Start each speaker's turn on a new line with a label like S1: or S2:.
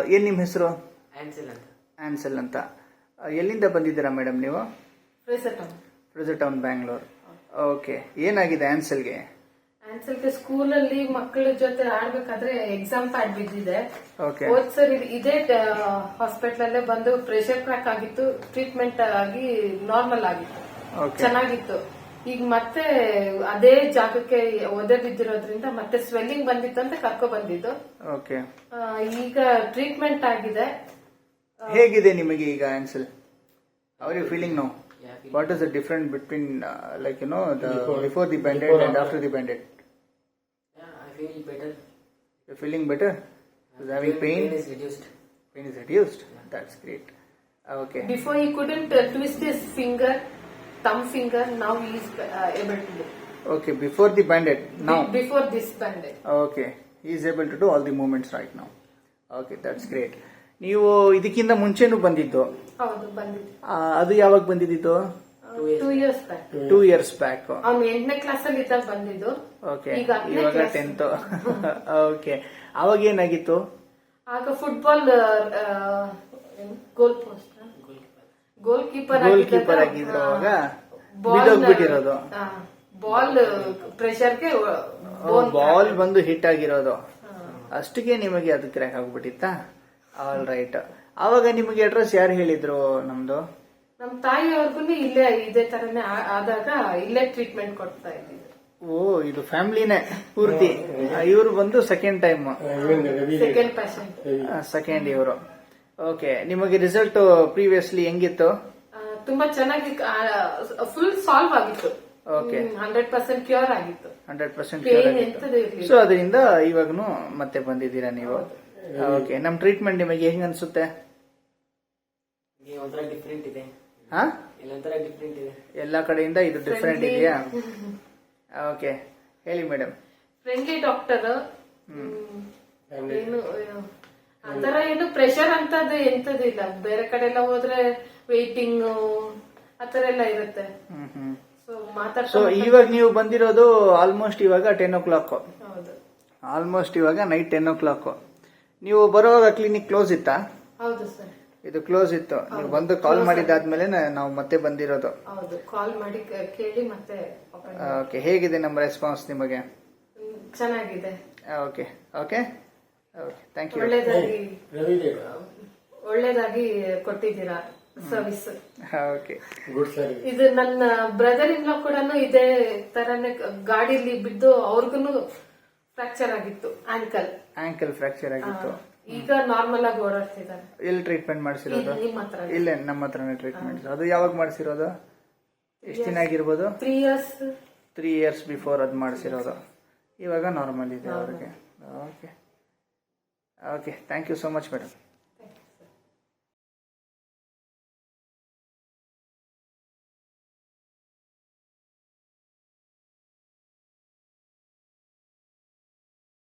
S1: ಏನು ನಿಮ್ಮ ಹೆಸರು?
S2: ಆನ್ಸೆಲ್ ಅಂತ.
S1: ಆನ್ಸೆಲ್ ಅಂತ. ಎಲ್ಲಿಂದ ಬಂದಿದ್ದೀರಾ ಮೇಡಮ್ ನೀವು? Fraser town, Bangalore. ಓಕೆ, ಏನಾಗಿದೆ ಆನ್ಸೆಲ್ಗೆ?
S3: ಆನ್ಸೆಲ್ಗೆ ಸ್ಕೂಲಲ್ಲಿ ಮಕ್ಕಳ ಜೊತೆ ಆಡ್ಬೇಕಾದ್ರೆ ಎಕ್ಸಾಮ್ ಪ್ಯಾಡ್ ಬಿದ್ದಿದೆ.
S1: ಓಕೆ.
S3: ಹೋದ್ ಸರಿ ಇದೇ ಹಾಸ್ಪಿಟಲ್ ಅಲ್ಲೇ ಬಂದು ಪ್ರೆಷರ್ ಕ್ರಾಕ್ ಆಗಿತ್ತು, ಟ್ರೀಟ್ಮೆಂಟ್ ಆಗಿ ನಾರ್ಮಲ್ ಆಗಿತ್ತು,
S1: ಓಕೆ.
S3: ಚೆನ್ನಾಗಿತ್ತು. ಈಗ ಮತ್ತೆ ಅದೇ ಜಾಗಕ್ಕೆ ಒದೆ ಬಿದ್ದಿರೋದ್ರಿಂದ ಮತ್ತೆ ಸ್ವೆಲ್ಲಿಂಗ್ ಬಂದಿತ್ತು ಅಂತ ಕರ್ಕೊ ಬಂದಿದ್ದು.
S1: ಓಕೆ.
S3: ಈಗ ಟ್ರೀಟ್ಮೆಂಟ್ ಆಗಿದೆ.
S1: ಹೇಗಿದೆ ನಿಮಗೆ ಈಗ Ansel? How are you feeling now? What is the difference between before the bandage and after the bandage?
S2: Yeah, I feel better.
S1: You're feeling better? Is having pain?
S2: Pain is reduced.
S1: Pain is reduced. That's great. Okay.
S3: Before he couldn't twist his finger, thumb finger. Now he is able to do.
S1: Okay, before the bandage. Now.
S3: Before this bandage.
S1: Okay, he is able to do all the movements right now. Okay, that's great. ನೀವು ಇದಕ್ಕಿಂತ ಮುಂಚೆನೂ ಬಂದಿದ್ದು?
S3: ಹೌದು, ಬಂದಿದ್ದು.
S1: ಅದು ಯಾವಾಗ ಬಂದಿದ್ದು?
S3: 2 years back.
S1: 2 years back.
S3: ಅವ್ನು 8ನೇ ಕ್ಲಾಸ್ ಅಲ್ಲಿ ಇದ್ದಾಗ ಬಂದಿದ್ದು.
S1: ಓಕೆ,
S3: ಇವಾಗ
S1: ಇವಾಗ 10th. ಓಕೆ, ಅವಾಗ ಏನಾಗಿತ್ತು?
S3: ಆಗ ಫುಟ್ಬಾಲ್ ಗೋಲ್ ಕೀಪರ್
S1: ಆಗಿದ್ರು. ಅವಾಗ ಬಿದ್ದೋಗ್ಬಿಟ್ಟಿರೋದು.
S3: ಬಾಲ್ ಪ್ರೆಷರ್ಗೆ
S1: ಬಾಲ್ ಬಂದು ಹಿಟ್ ಆಗಿರೋದು. ಅಷ್ಟಿಗೆ ನಿಮಗೆ ಅದು ಕ್ರ್ಯಾಕ್ ಆಗ್ಬಿಟ್ಟಿತ್ತಾ? All right. ಅವಾಗ ನಿಮಗೆ ಅಡ್ರೆಸ್ ಯಾರು ಹೇಳಿದ್ರು? ನಮ್ದು
S3: ನಮ್ ತಾಯಿಯವ್ರಿಗೂ ಇಲ್ಲೇ ಇದೇ ತರನೇ ಆದಾಗ ಇಲ್ಲೇ ಟ್ರೀಟ್ಮೆಂಟ್ ಕೊಡ್ತಾ ಇದ್ದೀವಿ.
S1: ಓ, ಇದು ಫ್ಯಾಮಿಲಿನೇ ಪೂರ್ತಿ. ಇವರು ಬಂದು second time,
S3: second patient,
S1: second ಇವರು. ಓಕೆ, ನಿಮಗೆ ರಿಸಲ್ಟ್ ಪ್ರೀವಿಯಸ್ಲಿ ಹೆಂಗಿತ್ತು?
S3: ತುಂಬಾ ಚೆನ್ನಾಗಿ ಫುಲ್ ಸಾಲ್ವ್ ಆಗಿತ್ತು.
S1: ಓಕೆ,
S3: 100% ಕ್ಯೂರ್ ಆಗಿತ್ತು.
S1: 100%
S3: ಪೇನ್ ಎಂತದೂ ಇರ್ಲಿಲ್ಲ.
S1: ಸೊ ಅದರಿಂದ ಇವಾಗನು ಮತ್ತೆ ಬಂದಿದ್ದೀರಾ ನೀವು? ಓಕೆ, ನಮ್ ಟ್ರೀಟ್ಮೆಂಟ್ ನಿಮಗೆ ಹೆಂಗ್ ಅನ್ಸುತ್ತೆ?
S2: ಒಂಥರ ಡಿಫ್ರೆಂಟ್ ಇದೆ.
S1: ಹಾ,
S2: ಒಂಥರ ಡಿಫ್ರೆಂಟ್ ಇದೆ.
S1: ಎಲ್ಲಾ ಕಡೆಯಿಂದ ಇದು ಡಿಫ್ರೆಂಟ್ ಇದೆಯಾ? ಓಕೆ, ಹೇಳಿ ಮೇಡಮ್.
S3: Friendly doctor. ಏನು ಆತರ ಏನು ಪ್ರೆಷರ್ ಅಂತದ್ದು ಎಂತದ್ದು ಇಲ್ಲ. ಬೇರೆ ಕಡೆ ಎಲ್ಲ ಹೋದ್ರೆ ವೇಟಿಂಗ್ ಆತರ ಎಲ್ಲ ಇರುತ್ತೆ.
S1: ಸೊ ಇವಾಗ ನೀವು ಬಂದಿರೋದು ಆಲ್ಮೋಸ್ಟ್ ಇವಾಗ 10 o'clock.
S3: ಹೌದು,
S1: ಆಲ್ಮೋಸ್ಟ್ ಇವಾಗ ನೈಟ್ 10 o'clock. ನೀವು ಬರುವಾಗ ಕ್ಲಿನಿಕ್ ಕ್ಲೋಸ್ ಇತ್ತಾ?
S3: ಹೌದು ಸರ್,
S1: ಇದು ಕ್ಲೋಸ್ ಇತ್ತು. ನೀವು ಬಂದು ಕಾಲ್ ಮಾಡಿದಾದ್ಮೇಲೆ ನಾವು ಮತ್ತೆ ಬಂದಿರೋದು.
S3: ಹೌದು, ಕಾಲ್ ಮಾಡಿ ಕೇಳಿ ಮತ್ತೆ.
S1: ಓಕೆ, ಹೇಗಿದೆ ನಮ್ಮ ರೆಸ್ಪಾನ್ಸ್ ನಿಮಗೆ?
S3: ಚೆನ್ನಾಗಿದೆ.
S1: Okay okay okay, thank you.
S3: ಒಳ್ಳೇದಾಗಿ ಕೊಟ್ಟಿದ್ದೀರಾ ಸರ್ವಿಸ್.
S1: Okay,
S2: good service.
S3: ಇದು ನನ್ನ ಬ್ರದರ್ ಇನ್ ಲಾ ಕೂಡ ಇದೇ ತರನೇ ಗಾಡಿಲಿ ಬಿದ್ದು ಅವ್ರಿಗೂ ಫ್ರಾಕ್ಚರ್ ಆಗಿತ್ತು, ಆಂಕಲ್
S1: ಫ್ರಾಕ್ಚರ್ ಆಗಿತ್ತು.
S3: ಈಗ ನಾರ್ಮಲ್ ಆಗಿ ಓಡಾಡ್ತಿದ್ದಾರೆ.
S1: ಎಲ್ಲಿ ಟ್ರೀಟ್ಮೆಂಟ್ ಮಾಡಿಸಿರೋದು?
S3: ನಿಮ್ಮ ಹತ್ರ.
S1: ಇಲ್ಲ, ನಮ್ಮ ಹತ್ರನೇ ಟ್ರೀಟ್ಮೆಂಟ್. ಅದು ಯಾವಾಗ ಮಾಡಿಸಿರೋದು? ಎಷ್ಟು ದಿನ ಆಗಿರ್ಬೋದು?
S3: 3 years.
S1: 3 years ಬಿಫೋರ್ ಅದು ಮಾಡಿಸಿರೋದು. ಇವಾಗ ನಾರ್ಮಲ್ ಇದೆ ಅವ್ರಿಗೆ. Okay okay, thank you so much madam.